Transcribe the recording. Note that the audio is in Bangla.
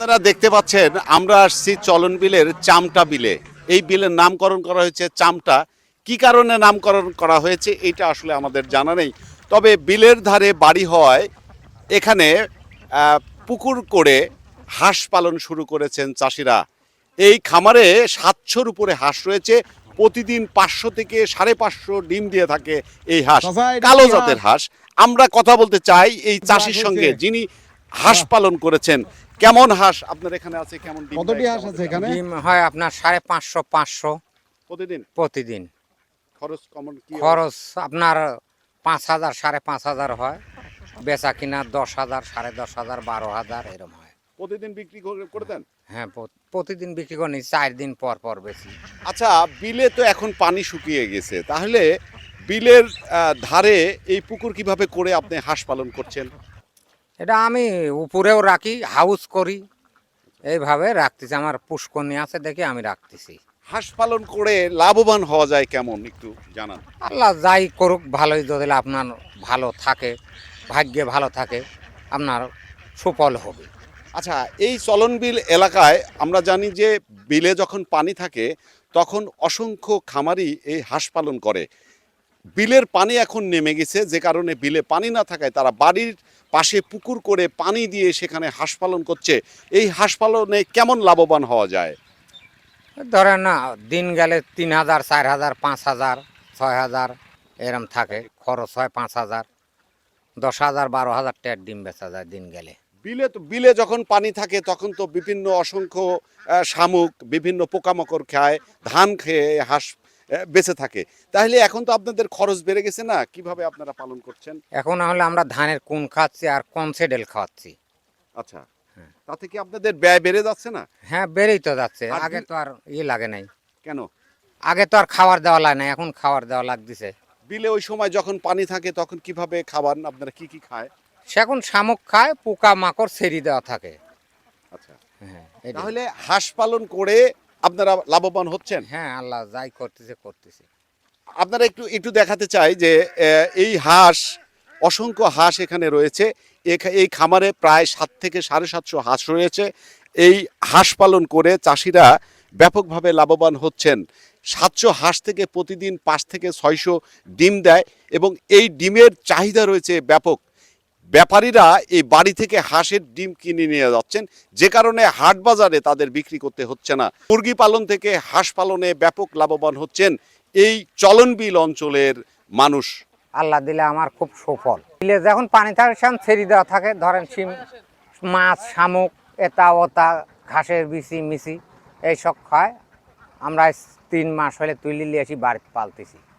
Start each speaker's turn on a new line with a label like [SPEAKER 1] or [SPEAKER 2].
[SPEAKER 1] আপনারা দেখতে পাচ্ছেন আমরা আসছি চলন বিলের চামটা বিলে। এই বিলের নামকরণ করা হয়েছে চামটা। কি কারণে নামকরণ করা হয়েছে এটা আসলে আমাদের জানা নেই। তবে বিলের ধারে বাড়ি হওয়ায় এখানে পুকুর করে হাঁস পালন শুরু করেছেন চাষিরা। এই খামারে 700-র উপরে হাঁস রয়েছে। প্রতিদিন 500 থেকে 550 ডিম দিয়ে থাকে এই হাঁস, কালো জাতের হাঁস। আমরা কথা বলতে চাই এই চাষির সঙ্গে যিনি হাঁস পালন করেছেন। কেমন হাঁস আপনার এখানে আছে, কেমন ডিম
[SPEAKER 2] কতটি হাঁস আছে এখানে?
[SPEAKER 3] ডিম হয় আপনার 550
[SPEAKER 1] প্রতিদিন?
[SPEAKER 3] প্রতিদিন।
[SPEAKER 1] খরচ কেমন কি?
[SPEAKER 3] খরচ আপনার 5,000 5,500 হয়, বেচা কিনা 10,000 10,500 12,000 এরকম হয়।
[SPEAKER 1] প্রতিদিন বিক্রি করে দেন?
[SPEAKER 3] হ্যাঁ, প্রতিদিন বিক্রি করি, 4 দিন পর পর বেশি।
[SPEAKER 1] আচ্ছা, বিলে তো এখন পানি শুকিয়ে গেছে, তাহলে বিলের ধারে এই পুকুর কিভাবে করে আপনি হাঁস পালন করছেন?
[SPEAKER 3] এটা আমি উপরেও রাখি, হাউস করি, এইভাবে রাখতেছি। আমার পুষ্করণী আছে দেখে আমি রাখতেছি।
[SPEAKER 1] হাঁস পালন করে লাভবান হওয়া যায় কেমন একটু জানান।
[SPEAKER 3] আল্লাহ যাই করুক ভালোই, যদি আপনার ভালো থাকে, ভাগ্যে ভালো থাকে, আপনার সুফল হবে।
[SPEAKER 1] আচ্ছা, এই চলন বিল এলাকায় আমরা জানি যে বিলে যখন পানি থাকে তখন অসংখ্য খামারি এই হাঁস পালন করে। বিলের পানি এখন নেমে গেছে, যে কারণে বিলে পানি না থাকায় তারা বাড়ির পাশে পুকুর করে পানি দিয়ে সেখানে হাঁস পালন করছে। এই হাঁস পালনে কেমন লাভবান হওয়া যায়?
[SPEAKER 3] ধরেন না, দিন গেলে 3,000 4,000 5,000 6,000 এরম থাকে। খরচ হয় 5,000 10,000 12,000 টাকার ডিম বেচা যায় দিন গেলে।
[SPEAKER 1] বিলে যখন পানি থাকে তখন তো বিভিন্ন অসংখ্য শামুক, বিভিন্ন পোকামাকড় খায়, ধান খেয়ে হাঁস বেঁচে থাকে। তাহলে এখন তো আপনাদের খরচ বেড়ে গেছে না? কিভাবে আপনারা পালন করছেন?
[SPEAKER 3] এখন হলে আমরা ধানের কুন খাচ্ছি আর কনসেডেল খাওয়াচ্ছি।
[SPEAKER 1] আচ্ছা, তাতে কি আপনাদের ব্যয় বেড়ে যাচ্ছে না?
[SPEAKER 3] হ্যাঁ, বেড়েই তো যাচ্ছে।
[SPEAKER 1] আর
[SPEAKER 3] আগে তো আর লাগে নাই,
[SPEAKER 1] কেন?
[SPEAKER 3] আগে তো আর খাবার দেওয়া লাগে না, এখন খাবার দেওয়া লাগতেছে।
[SPEAKER 1] বিলে ওই সময় যখন পানি থাকে তখন কিভাবে খাবার, আপনারা কি কি খায়?
[SPEAKER 3] সে এখন শামুক খায়, পোকা মাকড় ছেড়ে দেওয়া থাকে।
[SPEAKER 1] আচ্ছা,
[SPEAKER 3] হ্যাঁ, এটাই।
[SPEAKER 1] তাহলে হাঁস পালন করে আপনারা লাভবান হচ্ছেন?
[SPEAKER 3] হ্যাঁ, আল্লাহ যাই করতেছে।
[SPEAKER 1] আপনারা একটু একটু দেখাতে চাই যে এই হাঁস, অসংখ্য হাঁস এখানে রয়েছে। এই খামারে প্রায় 7 থেকে 750 হাঁস রয়েছে। এই হাঁস পালন করে চাষিরা ব্যাপকভাবে লাভবান হচ্ছেন। 700 হাঁস থেকে প্রতিদিন 5 থেকে 600 ডিম দেয় এবং এই ডিমের চাহিদা রয়েছে ব্যাপক। ব্যাপারীরা এই বাড়ি থেকে হাঁসের ডিম কিনে নিয়ে যাচ্ছেন, যে কারণে হাট বাজারে তাদের বিক্রি করতে হচ্ছে না। মুরগি পালন থেকে হাঁস পালনে ব্যাপক লাভবান হচ্ছেন এই চলনবিল অঞ্চলের মানুষ।
[SPEAKER 3] আল্লাহ দিলে আমার খুব সুফল। বিলে যখন পানি থাকে সেখানে ছেড়ে দেওয়া থাকে, ধরেন শিম মাছ শামুক এটা ওটা ঘাসের বিচি মিচি এইসব খায়। আমরা 3 মাস হলে তুলে নিয়ে এসে বাড়িতে পালতেছি।